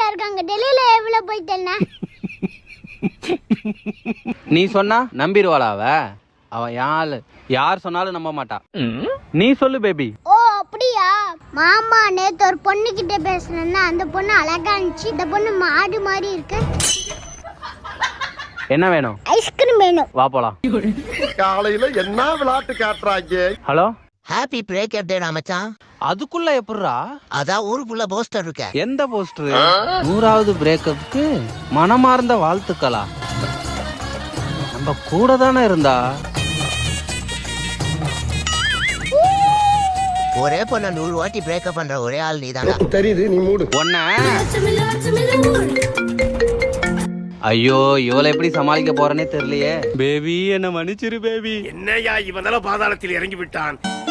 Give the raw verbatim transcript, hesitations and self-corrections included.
டெல்லியில இருக்காங்க. டெல்லியில எவ்வளவு போயிட்டேன்னா நீ சொன்னா நம்பிடுவாளா அவ? அவ யாரு யார் சொன்னாலும் நம்ப மாட்டா. நீ சொல்லு பேபி. ஓ அப்படியா? மாமா நேத்து ஒரு பொண்ணு கிட்ட பேசுனேன்னா அந்த பொண்ணு அழகா இருந்துச்சு. இந்த பொண்ணு மாடு மாதிரி இருக்கு. என்ன வேணும்? ஐஸ்கிரீம் வேணும். வா போலாம். காலையில என்ன விளையாட்டு காட்டுறாங்க? ஹலோ, ஹாப்பி பிரேக்கப் டே மச்சான். அதுக்குள்ள எப்படிரா? அதான் ஊருக்குள்ள போஸ்டர் இருக்க. எந்த போஸ்டர்? நூறாவது பிரேக்கப்புக்கு மனமார்ந்த வாழ்த்துக்களா? நம்ம கூட தானே இருந்தா. ஒரே பொண்ண நூறு வாட்டி பிரேக்கப் பண்ற ஒரே ஆள் நீதாங்க. தெரியுது, நீ மூடு. ஒன்ன ஐயோ, இவளை எப்படி சமாளிக்க போறேனே தெரியலையே. பேபி என்ன மன்னிச்சிரு பேபி. என்னையா இவனால பாதாளத்தில் இறங்கி விட்டான்.